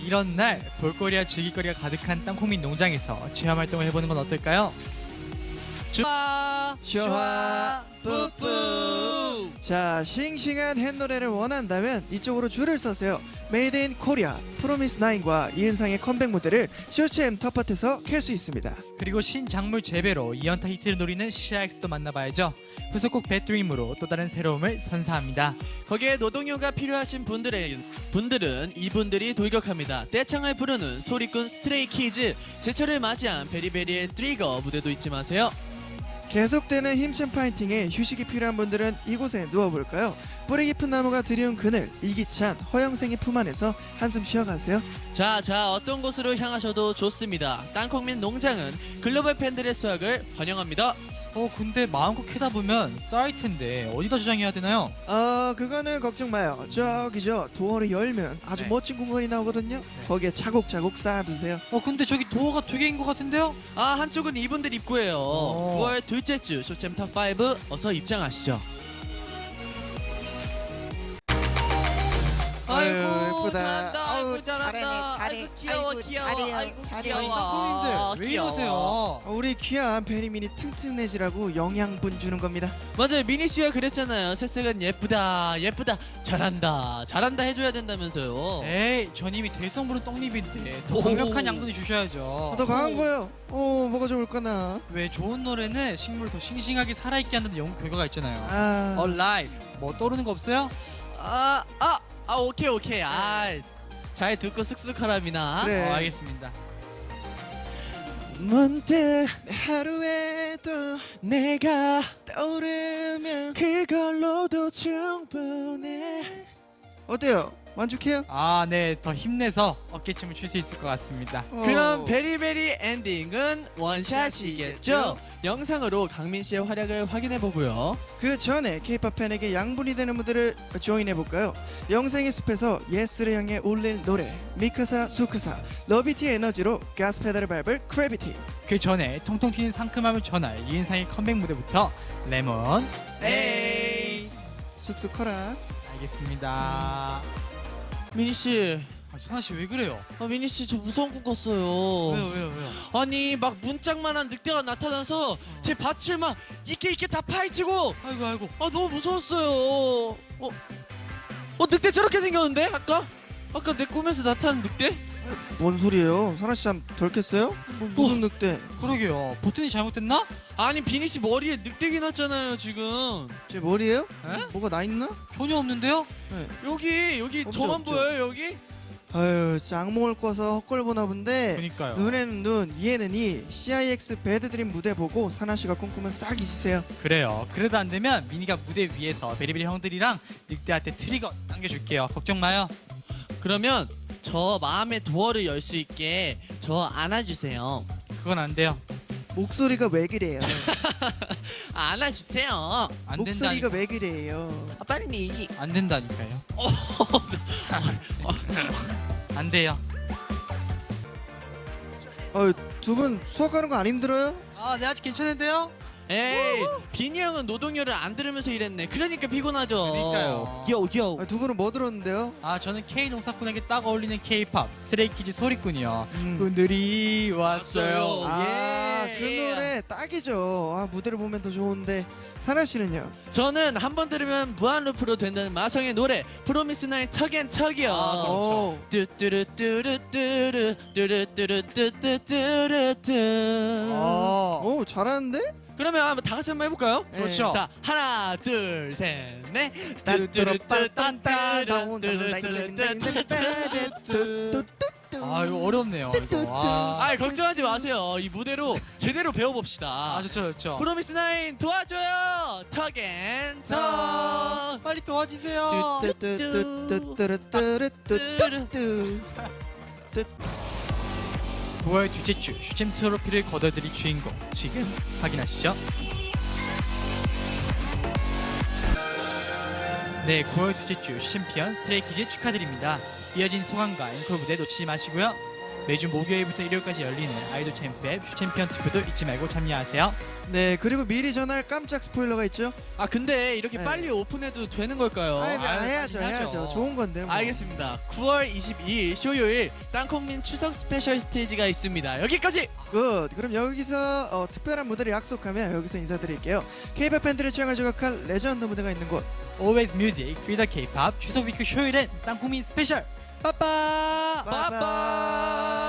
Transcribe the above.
이런 날 볼거리와 즐길거리가 가득한 땅콩민 농장에서 체험 활동을 해보는 건 어떨까요? 쇼화 뿌뿌. 자, 싱싱한 햇노래를 원한다면 이쪽으로 줄을 서세요. 메이드 인 코리아 프로미스9과 이은상의 컴백 무대를 쇼챔 텃밭에서 캘 수 있습니다. 그리고 신작물 재배로 2연타 히트를 노리는 시아엑스도 만나봐야죠. 후속곡 배드림으로 또 다른 새로움을 선사합니다. 거기에 노동요가 필요하신 분들은 이분들이 돌격합니다. 떼창을 부르는 소리꾼 스트레이키즈, 제철을 맞이한 베리베리의 트리거 무대도 잊지 마세요. 계속되는 힘찬 파이팅에 휴식이 필요한 분들은 이곳에 누워볼까요? 뿌리 깊은 나무가 드리운 그늘, 이기찬 허영생의 품 안에서 한숨 쉬어가세요. 자, 어떤 곳으로 향하셔도 좋습니다. 땅콩민 농장은 글로벌 팬들의 수확을 환영합니다. 근데 마음껏 캐다 보면 쌓일 텐데 어디다 저장해야 되나요? 그거는 걱정 마요. 저기죠, 도어를 열면 아주 네. 멋진 공간이 나오거든요. 거기에 차곡차곡 쌓아두세요. 근데 저기 도어가 두 개인 것 같은데요? 한쪽은 이분들 입구예요. 9월 둘째 주 쇼챔 탑5 어서 입장하시죠. 아유, 예쁘다. 잘한다. 아유, 아이고 잘한다. 잘해. 아이고 귀여워 아이고, 귀여워. 잘해요. 아이고 잘해요. 귀여워. 땅콩민들 왜 귀여워. 이러세요? 우리 귀한 베리민이 튼튼해지라고 영양분 주는 겁니다. 맞아요. 미니 씨가 그랬잖아요. 새싹은 예쁘다 잘한다 해줘야 된다면서요. 에이, 전 이미 대성부른 떡잎인데 더 강력한 양분을 주셔야죠. 더 강한 거요. 뭐가 좋을까나. 왜 좋은 노래는 식물을 더 싱싱하게 살아있게 한다는 연구 결과가 있잖아요. 아, Alive. 뭐 떠오르는 거 없어요? 오케이. 잘 듣고 쑥쑥하라 미나. 그래. 알겠습니다. 문득 하루에도 내가 떠오르면 그걸로도 충분해. 어때요? 만족해요? 네, 더 힘내서 어깨춤을 출 수 있을 것 같습니다. 그럼 베리베리 엔딩은 원샷이겠죠? 영상으로 강민 씨의 활약을 확인해 보고요. 그 전에 K-pop 팬에게 양분이 되는 무대를 조인해 볼까요? 영생의 숲에서 예스를 향해 울릴 노래 미카사 수카사 러비티의 에너지로 가스 페달을 밟을 크래비티. 그 전에 통통 튀는 상큼함을 전할 이은상의 컴백 무대부터 레몬. 에이. 쑥쑥 커라. 알겠습니다. 미니 씨, 선아 씨 왜 그래요? 미니 씨 저 무서운 꿈 꿨어요. 왜요? 아니 막 문짝만한 늑대가 나타나서 제 밭을 막 이렇게 다 파헤치고 아이고. 너무 무서웠어요. 늑대 저렇게 생겼는데 아까 내 꿈에서 나타난 늑대? 뭔 소리예요? 사라씨 잠 덜 깼어요? 무슨 늑대? 그러게요. 버튼이 잘못됐나? 아니 비니 씨 머리에 늑대기 났잖아요 지금. 제 머리예요? 에? 뭐가 나 있나? 전혀 없는데요? 여기 없죠, 저만 없죠. 보여요 여기? 아유, 악몽을 꿔서 헛걸 보나 본데. 그니까요. 눈에는 눈, 이에는 이. CIX 배드드림 무대 보고 사나씨가 꿈꾸면 싹 잊으세요. 그래요. 그래도 안 되면 미니가 무대 위에서 베리베리 형들이랑 늑대한테 트리거 당겨줄게요. 걱정 마요. 그러면 저 마음의 도어를 열 수 있게 저 안아주세요. 그건 안 돼요. 목소리가 왜 그래요? 안아주세요. 안 목소리가 된다니까. 왜 그래요? 빨리. 안 된다니까요. 안 돼요. 두 분 수학하는 거 안 힘들어요? 네, 아직 괜찮은데요? 에이 비니 형은 노동요를 안 들으면서 일했네. 그러니까 피곤하죠. 그러니까요. 요. 두 분은 뭐 들었는데요? 저는 K 농사꾼에게 딱 어울리는 K-팝 스트레이키즈 소리꾼이요. 음. 분들이 왔어요. 예. 그 노래 딱이죠. 무대를 보면 더 좋은데. 사나씨는요? 저는 한 번 들으면 무한 루프로 된다는 마성의 노래 프로미스9 턱앤턱이요. 그렇죠. 뚜뚜루뚜루뚜루 뚜루뚜루뚜뚜뚜뚜. 오, 잘하는데? 그러면 한번 다 같이 한번 해볼까요? 네. 그렇죠. 자 하나 둘 셋 넷. 이거 어렵네요. 이거. 걱정하지 마세요. 이 무대로 제대로 배워봅시다. 좋죠. 프로미스9 도와줘요. 턱앤턱. 빨리 도와주세요. 9월 둘째 주 슈챔 트로피를 거둬들일 주인공 지금 확인하시죠. 네, 9월 둘째 주 슈챔피언 스트레이키즈 축하드립니다. 이어진 소감과 앵콜 무대 놓치지 마시고요. 매주 목요일부터 일요일까지 열리는 아이돌 챔프의 챔피언 투표도 잊지 말고 참여하세요. 네, 그리고 미리 전할 깜짝 스포일러가 있죠. 아 근데 이렇게 네. 빨리 오픈해도 되는 걸까요? 해야죠, 해야죠. 해야죠. 좋은 건데. 뭐. 알겠습니다. 9월 22일 쇼요일 땅콩민 추석 스페셜 스테이지가 있습니다. 여기까지. 굿. 그럼 여기서 특별한 무대를 약속하면 여기서 인사드릴게요. K-pop 팬들의 취향을 저격할 레전드 무대가 있는 곳. Always Music, Free the K-pop 추석 위크 쇼일엔 땅콩민 스페셜. 빠빠. 빠빠.